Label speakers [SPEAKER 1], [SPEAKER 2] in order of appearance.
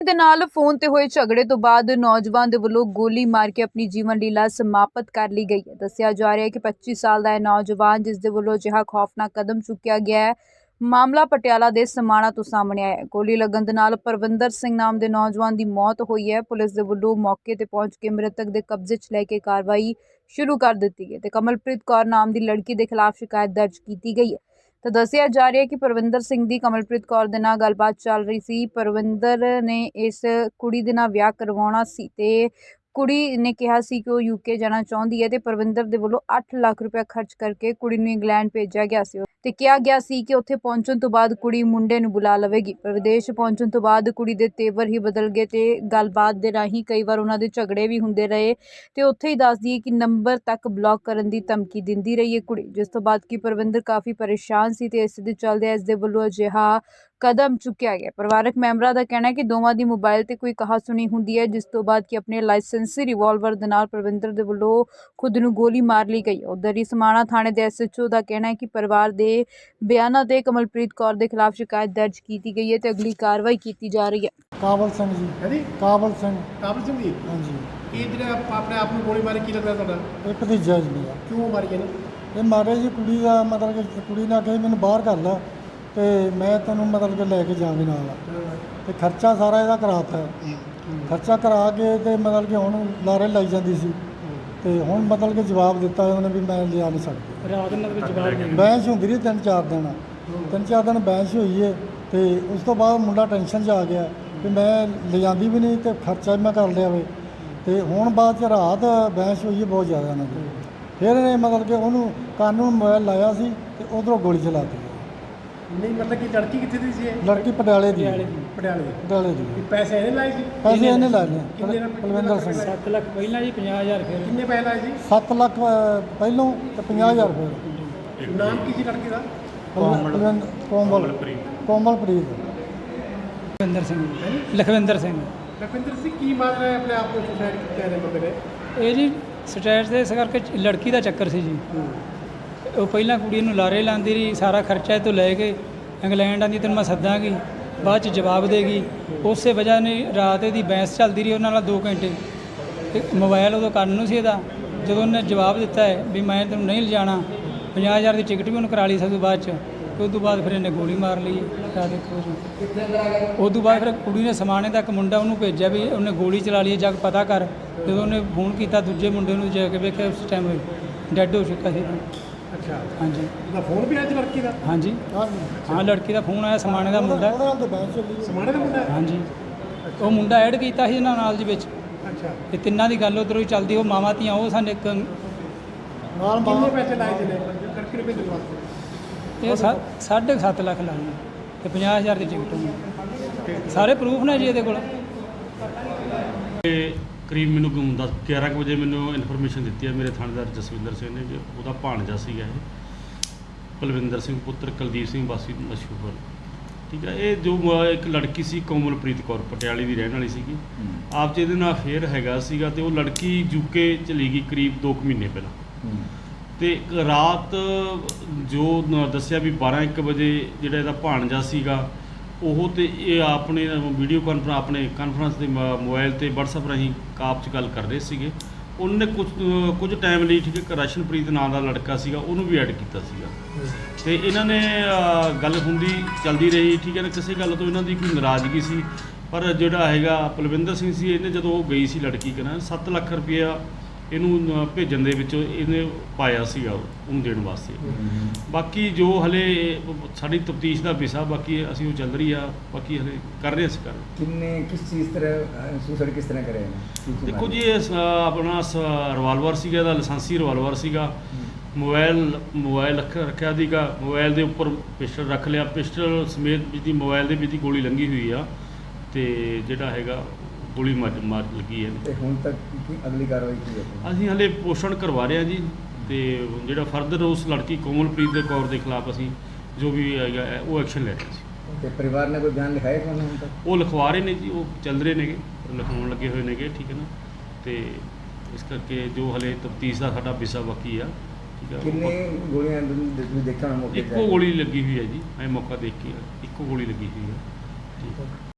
[SPEAKER 1] ਦੇ ਨਾਲ ਫੋਨ ਤੇ ਹੋਏ ਝਗੜੇ ਤੋਂ ਬਾਅਦ ਨੌਜਵਾਨ ਦੇ ਵੱਲੋਂ ਗੋਲੀ ਮਾਰ ਕੇ ਆਪਣੀ ਜੀਵਨ ਲੀਲਾ ਸਮਾਪਤ ਕਰ ਲਈ ਗਈ ਹੈ। ਦੱਸਿਆ ਜਾ ਰਿਹਾ ਹੈ ਕਿ 25 ਸਾਲ ਦਾ ਇਹ ਨੌਜਵਾਨ ਜਿਸ ਦੇ ਵੱਲੋਂ ਅਜਿਹਾ ਖੌਫਨਾਕ ਕਦਮ ਚੁੱਕਿਆ ਗਿਆ ਹੈ। ਮਾਮਲਾ ਪਟਿਆਲਾ ਦੇ ਸਮਾਣਾ ਤੋਂ ਸਾਹਮਣੇ ਆਇਆ ਹੈ। ਗੋਲੀ ਲੱਗਣ ਦੇ ਨਾਲ ਪਰਵਿੰਦਰ ਸਿੰਘ ਨਾਮ ਦੇ ਨੌਜਵਾਨ ਦੀ ਮੌਤ ਹੋਈ ਹੈ। ਪੁਲਿਸ ਦੇ ਵੱਲੋਂ ਮੌਕੇ ਤੇ ਪਹੁੰਚ ਕੇ ਮ੍ਰਿਤਕ ਦੇ ਕਬਜ਼ੇ 'ਚ ਲੈ ਕੇ ਕਾਰਵਾਈ ਸ਼ੁਰੂ ਕਰ ਦਿੱਤੀ ਗਈ ਤੇ ਕਮਲਪ੍ਰੀਤ ਕੌਰ ਨਾਮ ਦੀ ਲੜਕੀ ਦੇ ਖਿਲਾਫ ਸ਼ਿਕਾਇਤ ਦਰਜ ਕੀਤੀ ਗਈ ਹੈ। ਤਾਂ ਦੱਸਿਆ ਜਾ ਰਿਹਾ ਹੈ ਕਿ ਪਰਵਿੰਦਰ ਸਿੰਘ ਦੀ ਕਮਲਪ੍ਰੀਤ ਕੌਰ ਦੇ ਨਾਲ ਗੱਲਬਾਤ ਚੱਲ ਰਹੀ ਸੀ। ਪਰਵਿੰਦਰ ਨੇ ਇਸ ਕੁੜੀ ਦੇ ਨਾਲ ਵਿਆਹ ਕਰਵਾਉਣਾ ਸੀ ਤੇ ਕੁੜੀ ਨੇ ਕਿਹਾ ਸੀ ਕਿ ਉਹ ਯੂਕੇ ਜਾਣਾ ਚਾਹੁੰਦੀ ਹੈ ਤੇ ਪਰਵਿੰਦਰ ਦੇ ਵੱਲੋਂ 8 ਲੱਖ ਰੁਪਏ ਖਰਚ ਕਰਕੇ ਕੁੜੀ ਨੂੰ ਇੰਗਲੈਂਡ ਭੇਜਿਆ ਗਿਆ ਸੀ ਤੇ ਕਿਹਾ ਗਿਆ ਸੀ ਕਿ ਉੱਥੇ ਪਹੁੰਚਣ ਤੋਂ ਬਾਅਦ ਕੁੜੀ ਮੁੰਡੇ ਨੂੰ ਬੁਲਾ ਲਵੇਗੀ। ਪਰ ਵਿਦੇਸ਼ ਪਹੁੰਚਣ ਤੋਂ ਬਾਅਦ ਕੁੜੀ ਦੇ ਤੇਵਰ ਹੀ ਬਦਲ ਗਏ ਤੇ ਗੱਲਬਾਤ ਦੇ ਰਾਹੀਂ ਕਈ ਵਾਰ ਉਹਨਾਂ ਦੇ ਝਗੜੇ ਵੀ ਹੁੰਦੇ ਰਹੇ ਤੇ ਉੱਥੇ ਹੀ ਦੱਸਦੀ ਹੈ ਕਿ ਨੰਬਰ ਤੱਕ ਬਲੌਕ ਕਰਨ ਦੀ ਧਮਕੀ ਦਿੰਦੀ ਰਹੀ ਹੈ ਕੁੜੀ, ਜਿਸ ਤੋਂ ਬਾਅਦ ਕਿ ਪਰਵਿੰਦਰ ਕਾਫੀ ਪਰੇਸ਼ਾਨ ਸੀ ਤੇ ਇਸ ਦੇ ਚੱਲਦੇ ਇਸ ਦੇ ਵੱਲੋਂ ਅਜਿਹਾ ਕਦਮ ਚੁੱਕਿਆ ਗਿਆ। ਪਰਿਵਾਰਕ ਮੈਂਬਰਾਂ ਦਾ ਕਹਿਣਾ ਹੈ ਕਿ ਦੋਵਾਂ ਦੀ ਮੋਬਾਈਲ ਤੇ ਕੋਈ ਕਹਾਸੁਣੀ ਹੁੰਦੀ ਹੈ, ਜਿਸ ਤੋਂ ਬਾਅਦ ਕਿ ਆਪਣੇ ਲਾਇਸੈਂਸੀ ਰਿਵਾਲਵਰ ਦੇ ਨਾਲ ਪਰਵਿੰਦਰ ਦੇ ਵੱਲੋਂ ਖੁਦ ਨੂੰ ਗੋਲੀ ਮਾਰ ਲਈ ਗਈ। ਉਧਰ ਹੀ ਸਮਾਣਾ ਥਾਣੇ ਦੇ SHO ਦਾ ਕਹਿਣਾ ਹੈ ਕਿ ਪਰਿਵਾਰ ਦੇ ਬਿਆਨਾਂ ਤੇ ਕਮਲਪ੍ਰੀਤ ਕੌਰ ਦੇ ਖਿਲਾਫ ਸ਼ਿਕਾਇਤ ਦਰਜ ਕੀਤੀ ਗਈ ਹੈ ਤੇ ਅਗਲੀ ਕਾਰਵਾਈ ਕੀਤੀ ਜਾ ਰਹੀ ਹੈ।
[SPEAKER 2] ਕਾਬਲ ਸਿੰਘ ਜੀ।
[SPEAKER 3] ਹਾਂਜੀ
[SPEAKER 2] ਕਾਬਲ ਸਿੰਘ
[SPEAKER 3] ਜੀ।
[SPEAKER 2] ਹਾਂਜੀ।
[SPEAKER 3] ਇਹ ਜਿਹੜਾ ਆਪਣੇ ਆਪ ਨੂੰ ਗੋਲੀ ਮਾਰੀ ਕੀ ਲੱਗਦਾ ਤੁਹਾਡਾ?
[SPEAKER 2] ਇਹ ਭਤੀਜਾ ਜੀ ਮੇਰਾ।
[SPEAKER 3] ਕਿਉਂ ਮਾਰੀ ਇਹਨੂੰ?
[SPEAKER 2] ਇਹ ਮਾਰੇ ਜੀ ਕੁੜੀ ਦਾ ਮਤਲਬ ਕਿ ਕੁੜੀ ਨੇ ਕਹੀ ਮੈਨੂੰ ਬਾਹਰ ਕਰ ਲਾ ਤੇ ਮੈਂ ਤੈਨੂੰ ਮਤਲਬ ਕਿ ਲੈ ਕੇ ਜਾਵਾਂਗੀ ਨਾਲ ਤੇ ਖਰਚਾ ਸਾਰਾ ਇਹਦਾ ਕਰਾਤਾ। ਖਰਚਾ ਕਰਾ ਕੇ ਤੇ ਮਤਲਬ ਕਿ ਹੁਣ ਲਾਰੇ ਲਾਈ ਜਾਂਦੀ ਸੀ ਤੇ ਹੁਣ ਮਤਲਬ ਕਿ ਜਵਾਬ ਦਿੱਤਾ ਉਹਨੇ ਵੀ ਮੈਂ ਲਿਆ ਨਹੀਂ ਸਕਦੀ।
[SPEAKER 3] ਰਾਤ ਨੂੰ ਜਵਾਬ ਨਹੀਂ
[SPEAKER 2] ਬਹਿਸ ਹੁੰਦੀ ਰਹੀ 3-4 ਦਿਨ ਬਹਿਸ ਹੋਈ ਹੈ ਤੇ ਉਸ ਤੋਂ ਬਾਅਦ ਮੁੰਡਾ ਟੈਨਸ਼ਨ 'ਚ ਆ ਗਿਆ ਵੀ ਮੈਂ ਲਿਜਾਂਦੀ ਵੀ ਨਹੀਂ ਤੇ ਖਰਚਾ ਵੀ ਮੈਂ ਕਰ ਲਿਆ ਵੇ ਤੇ ਹੁਣ ਬਾਅਦ 'ਚ ਰਾਤ ਬਹਿਸ ਹੋਈ ਹੈ ਬਹੁਤ ਜ਼ਿਆਦਾ ਇਹਨਾਂ ਦੀ। ਫਿਰ ਇਹਨੇ ਮਤਲਬ ਕਿ ਉਹਨੂੰ ਕੰਨ ਨੂੰ ਮੋਬਾਈਲ ਲਾਇਆ ਸੀ ਤੇ ਉਧਰੋਂ ਗੋਲੀ ਚਲਾਤੀ।
[SPEAKER 3] ਨਹੀਂ ਮਤਲਬ ਕਿ ਲੜਕੀ ਕਿੱਥੇ ਦੀ ਸੀ ਇਹ?
[SPEAKER 2] ਲੜਕੀ ਪਟਿਆਲੇ ਦੀ।
[SPEAKER 3] ਪਟਿਆਲੇ ਦੀ। ਪੈਸੇ ਇਹਨੇ ਲਾਏ ਸੀ?
[SPEAKER 2] ਪੈਸੇ ਇਹਨੇ ਲਾਏ ਨੇ।
[SPEAKER 3] ਕਿੰਨੇ?
[SPEAKER 2] ਪਲਵਿੰਦਰ ਸਿੰਘ।
[SPEAKER 4] 7 ਲੱਖ ਪਹਿਲਾਂ ਜੀ 50,000 ਫਿਰ।
[SPEAKER 3] ਕਿੰਨੇ ਪੈਸੇ ਲਾਏ ਸੀ?
[SPEAKER 2] 7 ਲੱਖ ਪਹਿਲੋਂ ਤੇ 50,000 ਫਿਰ।
[SPEAKER 3] ਨਾਮ ਕੀ ਸੀ ਲੜਕੇ ਦਾ?
[SPEAKER 2] ਕੋਮਲਪ੍ਰੀਤ।
[SPEAKER 4] ਲਖਵਿੰਦਰ ਸਿੰਘ। ਲਖਵਿੰਦਰ ਸਿੰਘ
[SPEAKER 3] ਕੀ ਮੰਨ ਰਿਹਾ ਆਪਣੇ ਆਪ ਨੂੰ ਸੁਸਾਇਡ ਕਹਿ ਰਹੇ ਬੰਦੇ ਨੇ?
[SPEAKER 4] ਇਹ ਜੀ ਸਟੇਟ ਦੇ ਇਸ ਕਰਕੇ ਲੜਕੀ ਦਾ ਚੱਕਰ ਸੀ ਜੀ। ਉਹ ਪਹਿਲਾਂ ਕੁੜੀ ਨੂੰ ਲਾਰੇ ਲਾਉਂਦੀ ਰਹੀ, ਸਾਰਾ ਖਰਚਾ ਇਹ ਤੋਂ ਲੈ ਕੇ ਇੰਗਲੈਂਡ ਆਂਦੀ ਤੈਨੂੰ ਮੈਂ ਸੱਦਾਂਗੀ, ਬਾਅਦ 'ਚ ਜਵਾਬ ਦੇਗੀ। ਉਸੇ ਵਜ੍ਹਾ ਨੇ ਰਾਤ ਇਹਦੀ ਬਹਿਸ ਚੱਲਦੀ ਰਹੀ ਉਹਨਾਂ ਨਾਲ 2 ਘੰਟੇ ਤੇ ਮੋਬਾਈਲ ਉਦੋਂ ਕੰਨ ਨੂੰ ਸੀ ਇਹਦਾ। ਜਦੋਂ ਉਹਨੇ ਜਵਾਬ ਦਿੱਤਾ ਹੈ ਵੀ ਮੈਂ ਤੈਨੂੰ ਨਹੀਂ ਲਿਜਾਣਾ, 50,000 ਦੀ ਟਿਕਟ ਵੀ ਉਹਨੂੰ ਕਰਾ ਲਈ ਸੀ। ਬਾਅਦ 'ਚ ਉਸ ਤੋਂ ਬਾਅਦ ਫਿਰ ਇਹਨੇ ਗੋਲੀ ਮਾਰ ਲਈ। ਦੇਖੋ ਜੀ ਉਸ ਤੋਂ ਬਾਅਦ ਫਿਰ ਕੁੜੀ ਨੇ ਸਮਾਣੇ ਦਾ ਇੱਕ ਮੁੰਡਾ ਉਹਨੂੰ ਭੇਜਿਆ ਵੀ ਉਹਨੇ ਗੋਲੀ ਚਲਾ ਲਈ, ਜਾ ਕੇ ਪਤਾ ਕਰ। ਜਦੋਂ ਉਹਨੇ ਫੋਨ ਕੀਤਾ ਦੂਜੇ ਮੁੰਡੇ ਨੂੰ, ਜਾ ਕੇ ਵੇਖਿਆ ਉਸ ਟਾਈਮ ਡੈੱਡ ਹੋ ਚੁੱਕਾ ਸੀ।
[SPEAKER 3] ਅੱਛਾ
[SPEAKER 4] ਹਾਂਜੀ।
[SPEAKER 3] ਉਹਦਾ ਫੋਨ ਵੀ ਆਇਆ ਸੀ ਲੜਕੀ ਦਾ?
[SPEAKER 4] ਹਾਂਜੀ ਹਾਂ, ਲੜਕੀ ਦਾ ਫੋਨ ਆਇਆ। ਸਮਾਣੇ ਦਾ ਮੁੰਡਾ।
[SPEAKER 3] ਸਮਾਣੇ ਦਾ ਮੁੰਡਾ?
[SPEAKER 4] ਹਾਂਜੀ। ਉਹ ਮੁੰਡਾ ਐਡ ਕੀਤਾ ਸੀ ਇਹਨਾਂ ਨਾਲ ਜੀ ਵਿੱਚ।
[SPEAKER 3] ਅੱਛਾ।
[SPEAKER 4] ਤੇ ਤਿੰਨਾਂ ਦੀ ਗੱਲ ਉੱਧਰੋਂ ਹੀ ਚੱਲਦੀ। ਉਹ ਮਾਵਾਂ ਧੀਆਂ ਉਹ ਸਾਨੂੰ ਇੱਕ
[SPEAKER 3] ਕਿੰਨੇ ਪੈਸੇ ਲਾਏ ਜਿਹਨੇ ਲੜਕੀ ਨੂੰ ਭੇਜਣ ਵਾਸਤੇ?
[SPEAKER 4] ਇਹ 7.5 ਲੱਖ ਲਾਏ ਤੇ 50,000 ਦੀ ਟਿਕਟ ਹੋਣੀ। ਸਾਰੇ ਪ੍ਰੂਫ ਨੇ ਜੀ ਇਹਦੇ ਕੋਲ।
[SPEAKER 5] ਕਰੀਬ ਮੈਨੂੰ 11 ਕੁ ਵਜੇ ਮੈਨੂੰ ਇਨਫੋਰਮੇਸ਼ਨ ਦਿੱਤੀ ਹੈ ਮੇਰੇ ਥਾਣੇਦਾਰ ਜਸਵਿੰਦਰ ਸਿੰਘ ਨੇ ਕਿ ਉਹਦਾ ਭਾਣਜਾ ਸੀਗਾ ਇਹ ਪਲਵਿੰਦਰ ਸਿੰਘ ਪੁੱਤਰ ਕੁਲਦੀਪ ਸਿੰਘ ਵਾਸੀ ਮਸ਼ਹੂਰ। ਠੀਕ ਹੈ। ਇਹ ਜੋ ਇੱਕ ਲੜਕੀ ਸੀ ਕੋਮਲਪ੍ਰੀਤ ਕੌਰ ਪਟਿਆਲੇ ਦੀ ਰਹਿਣ ਵਾਲੀ ਸੀਗੀ। ਆਪ 'ਚ ਇਹਦੇ ਨਾਲ ਅਫੇਅਰ ਹੈਗਾ ਸੀਗਾ ਤੇ ਉਹ ਲੜਕੀ ਯੂਕੇ ਚਲੀ ਗਈ ਕਰੀਬ 2 ਮਹੀਨੇ ਪਹਿਲਾਂ। ਤੇ ਰਾਤ ਜੋ ਦੱਸਿਆ ਵੀ 12-1 ਵਜੇ ਜਿਹੜਾ ਇਹਦਾ ਭਾਣਜਾ ਸੀਗਾ ਉਹ ਤੇ ਇਹ ਆਪਣੇ ਵੀਡੀਓ ਕਾਨਫਰੰਸ ਆਪਣੇ ਕਾਨਫਰੰਸ ਦੇ ਮੋਬਾਈਲ ਤੇ WhatsApp ਰਾਹੀਂ ਕਾਪ 'ਚ ਗੱਲ ਕਰ ਰਹੇ ਸੀਗੇ। ਉਹਨੇ ਕੁਝ ਟਾਈਮ ਲਈ ਠੀਕ ਹੈ ਰਸ਼ਨਪ੍ਰੀਤ ਨਾਂ ਦਾ ਲੜਕਾ ਸੀਗਾ ਉਹਨੂੰ ਵੀ ਐਡ ਕੀਤਾ ਸੀਗਾ ਤੇ ਇਹਨਾਂ ਨੇ ਗੱਲ ਹੁੰਦੀ ਚੱਲਦੀ ਰਹੀ। ਠੀਕ ਹੈ ਨਾ, ਕਿਸੇ ਗੱਲ ਤੋਂ ਇਹਨਾਂ ਦੀ ਕੋਈ ਨਾਰਾਜ਼ਗੀ ਸੀ। ਪਰ ਜਿਹੜਾ ਹੈਗਾ ਪਲਵਿੰਦਰ ਸਿੰਘ ਸੀ, ਇਹਨੇ ਜਦੋਂ ਉਹ ਗਈ ਸੀ ਲੜਕੀ ਕਹਿੰਦਾ 7 ਲੱਖ ਰੁਪਇਆ ਇਹਨੂੰ ਭੇਜਣ ਦੇ ਵਿੱਚ ਇਹਨੇ ਪਾਇਆ ਸੀਗਾ ਉਹਨੂੰ ਦੇਣ ਵਾਸਤੇ। ਬਾਕੀ ਜੋ ਹਲੇ ਸਾਡੀ ਤਫਤੀਸ਼ ਦਾ ਵਿਸ਼ਾ ਬਾਕੀ ਅਸੀਂ ਉਹ ਚੱਲ ਰਹੀ ਆ। ਬਾਕੀ ਹਲੇ ਕਰ ਰਹੇ ਅਸੀਂ
[SPEAKER 6] ਕਿਸ ਚੀਜ਼ ਤਰ੍ਹਾਂ ਸੁਸਾਈਡ ਕਿਸ ਤਰ੍ਹਾਂ ਕਰਿਆ?
[SPEAKER 5] ਦੇਖੋ ਜੀ ਇਹ ਆਪਣਾ ਰਿਵਾਲਵਰ ਸੀਗਾ, ਇਹਦਾ ਲਾਇਸੈਂਸੀ ਰਿਵਾਲਵਰ ਸੀਗਾ। ਮੋਬਾਈਲ ਰੱਖਿਆ ਸੀਗਾ, ਮੋਬਾਈਲ ਦੇ ਉੱਪਰ ਪਿਸਟਲ ਰੱਖ ਲਿਆ। ਪਿਸਟਲ ਸਮੇਤ ਜਿਹਦੀ ਮੋਬਾਈਲ ਦੇ ਵਿੱਚ ਦੀ ਗੋਲੀ ਲੰਘੀ ਹੋਈ ਆ ਤੇ ਜਿਹੜਾ ਹੈਗਾ ਗੋਲੀ ਮਾਰ ਲੱਗੀ ਹੈ।
[SPEAKER 6] ਤੇ ਹੁਣ ਤੱਕ ਕੀ ਅਗਲੀ ਕਾਰਵਾਈ ਕੀ ਹੈ?
[SPEAKER 5] ਅਸੀਂ ਹਲੇ ਪੋਸ਼ਣ ਕਰਵਾ ਰਹੇ ਹਾਂ ਜੀ ਤੇ ਜਿਹੜਾ ਫਰਦਰ ਉਸ ਲੜਕੀ ਕੋਮਲਪ੍ਰੀਤ ਕੌਰ ਦੇ ਖਿਲਾਫ ਅਸੀਂ ਜੋ ਵੀ ਹੈਗਾ ਉਹ ਐਕਸ਼ਨ ਲੈ ਰਹੇ ਸੀ।
[SPEAKER 6] ਤੇ ਪਰਿਵਾਰ ਨੇ ਕੋਈ ਬਿਆਨ ਲਿਖਾਇਆ ਤੁਹਾਨੂੰ ਹੁਣ ਤੱਕ?
[SPEAKER 5] ਉਹ ਲਿਖਵਾ ਰਹੇ ਨੇ ਜੀ, ਉਹ ਚੱਲ ਰਹੇ ਨੇਗੇ, ਲਿਖਾਉਣ ਲੱਗੇ ਹੋਏ ਨੇਗੇ। ਠੀਕ ਹੈ ਨਾ, ਤੇ ਇਸ ਕਰਕੇ ਜੋ ਹਲੇ ਤਫਤੀਸ਼ ਦਾ ਸਾਡਾ ਵਿਸ਼ਾ ਬਾਕੀ ਆ। ਠੀਕ ਹੈ।
[SPEAKER 6] ਕਿੰਨੇ ਗੋਲੀਆਂ ਦੇਖਿਆ ਹੁਣ ਮੌਕੇ ਤੇ?
[SPEAKER 5] ਇੱਕੋ ਗੋਲੀ ਲੱਗੀ ਹੋਈ ਹੈ ਜੀ। ਮੈਂ ਮੌਕਾ ਦੇਖ ਕੇ ਇੱਕੋ ਗੋਲੀ ਲੱਗੀ ਹੋਈ ਹੈ। ਠੀਕ ਹੈ।